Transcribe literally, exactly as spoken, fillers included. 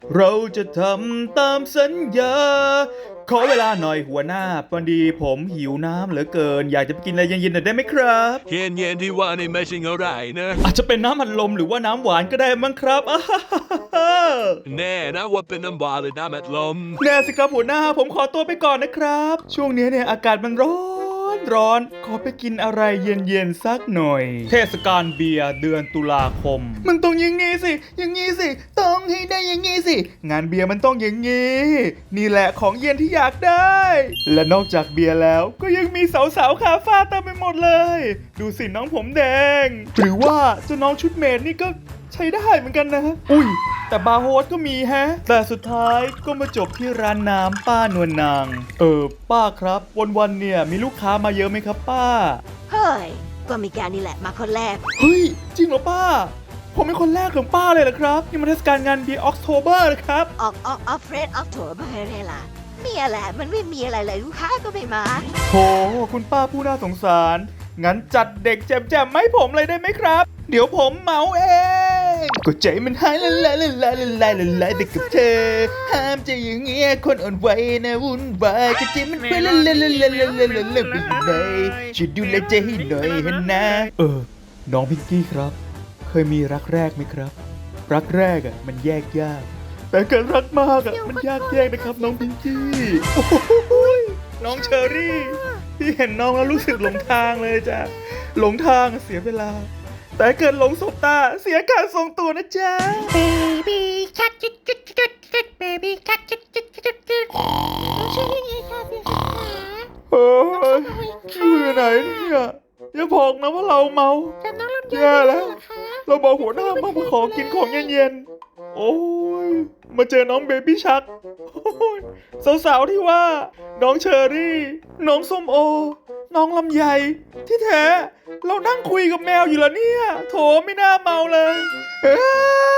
เราจะทำตามสัญญาขอเวลาหน่อยหัวหน้าพอดีผมหิวน้ำเหลือเกินอยากจะไปกินอะไรเย็นๆหน่อยได้ไหมครับเย็นเย็นที่ว่านี่ไม่ใช่อะไรนะอาจจะเป็นน้ำอัดลมหรือว่าน้ำหวานก็ได้มั้งครับแน่นะว่าเป็นน้ำบาหรือน้ำอัดลมแน่สิครับหัวหน้าผมขอตัวไปก่อนนะครับ ช่วงนี้เนี่ยอากาศมันร้อนร้อนขอไปกินอะไรเย็นๆสักหน่อย เทศกาลเบียร์เดือนตุลาคม มันต้องอย่างงี้สิอย่างงี้สิต้องให้ได้อย่างงี้สิงานเบียร์มันต้องอย่างงี้นี่แหละของเย็นที่อยากได้ และนอกจากเบียร์แล้วก็ยังมีสาวๆคาฟ้าเต็มไปหมดเลย ดูสิน้องผมแดง หรือว่าเจ้าน้องชุดเมดนี่ก็ใช้ได้เหมือนกันนะ อุ้ยแต่บาร์โฮสก็มีแฮะ แต่สุดท้ายก็มาจบที่ร้านน้ำป้านวลนาง เออป้าครับ วันๆเนี่ยมีลูกค้ามาเยอะไหมครับป้าเฮ้ย ก็มีแกนี่แหละมาคนแรกเฮ้ย จริงเหรอป้า ผมเป็นคนแรกของป้าเลยเหรอครับ นี่มันเทศกาลงานเบียร์ออกโทเบอร์นะครับออกออกออฟเฟรดออกโถมาให้เลยล่ะมีอะไรมันไม่มีอะไรเลยลูกค้าก็ไม่มาโห คุณป้าผู้น่าสงสาร งั้นจัดเด็กแจมๆไม่ผมเลยได้ไหมครับ เดี๋ยวผมเหมาเอง ก็ใจมันหายละลายละลายละลายละลายไปกับเธอ ห้ามใจอย่างเงี้ยคนอ่อนไหวนะวุ่นวายก็ใจมันไปละละละละละละละละไปอยู่ไหนช่วยดูแลใจให้หน่อยเห็นนะ เออ น้องพิงกี้ครับ เคยมีรักแรกไหมครับ รักแรกอ่ะมันแยกยาก แต่การรักมากอ่ะมันยากแยกนะครับน้องพิงกี้โอ้โหน้องเชอรี่พี่เห็นน้องแล้วรู้สึกหลงทางเลยจ้ะหลงทางเสียเวลา แต่เกิดหลงสบตาเสียการทรงตัวนะจ๊ะ Baby shark จุดจุดจุดจุด Baby shark จุดจุดจุดจุดน้องชื่อยังไงคะพี่คะเฮ้ยอยู่ไหนเนี่ยอย่าบอกนะว่าเราเมาจำน้องลำไยแย่ได้แล้วเหรอคะเราบอกหัวหน้ามามาขอกินของเย็นๆ โอ้ย มาเจอน้องเบบี้ชักสาวๆที่ว่า น้องเชอรี่ น้องส้มโอ น้องลำไย ที่แท้ เรานั่งคุยกับแมวอยู่แล้วเนี่ย โถไม่น่าเมาเลยเอ้ย